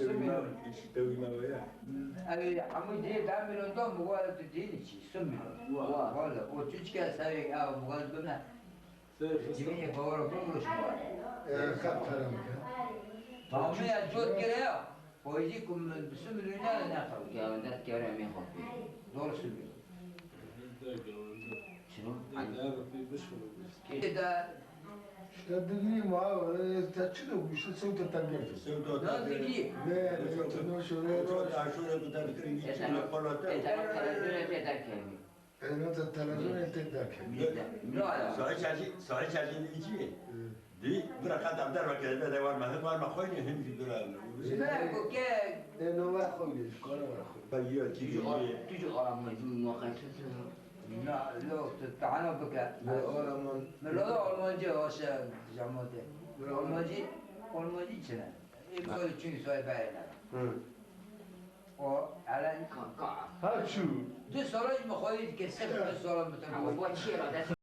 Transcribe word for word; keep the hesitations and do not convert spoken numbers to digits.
سميلون يشتوي ما وياه أي عمود دي تعملون دم مقالة تديني شيء سميلون والله وتشكي سوي أو مقالة بنا جميع فورا بقولش مقالة كابتن فهمي أجود كده ويجيكم بسميلون لا ناخذ يا ولد كيرا مين خبي دور سميلون شنو؟ كده تدري ما تشنو وش تسوي تتنقل لا تجي لا تنو شو عاشور بتذكر يجي إذا ما إذا ما تلاتين تذكرني انا تتلازم تتذكر لا صحيح شاشي صحيح شاشي يجي دي بركات عبد الله كده ده وار ما هو ما خويني هم في دولار لا كوكا انا ما اخوي شكرا اخوي بيو تيجي تيجي على ما يجون واقع لا لا تعالوا بك لا ولا من من لا ألمانجي هاش جامعته ألمانجي ألمانجي شنو يقول شنو سوي بعينا وعلى قاع ها شو دو سالش مخايد كسب دو سال مثلا هو بوشيرة